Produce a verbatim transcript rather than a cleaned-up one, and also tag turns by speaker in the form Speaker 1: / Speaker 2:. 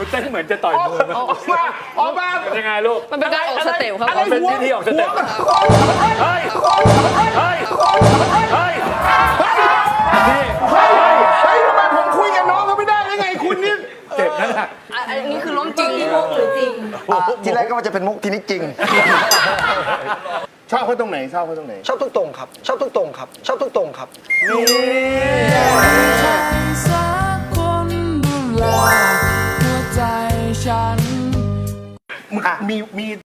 Speaker 1: เต้นเหมือนจะต่อยมือ
Speaker 2: ออกมาออกมา
Speaker 1: เป็นยังไงลูก
Speaker 3: มันเป็นการออกสเต็ปครับ
Speaker 1: มันเป็นพิธีออกสเต็ปเฮ้ยเฮ้ยเฮ้ยนี่
Speaker 2: เฮ้ยเฮ้ยทำไมผมคุยกับน้องเขาไม่ได้ยังไงคุณนี่
Speaker 1: เจ็บนั่นแหละ
Speaker 3: อันนี้คือล้มจริง
Speaker 4: อ่ะทีแรกก็ว่าจะเป็นมุกทีนี้จริง
Speaker 2: ชอบเขาตรงไหนชอบเขาตรงไหน
Speaker 4: ชอบทุกตรงครับ ชอบทุกตรงครับ ชอบทุกตรงครับ
Speaker 5: สักคนดูแลหัวใจฉัน
Speaker 2: มึงมีมี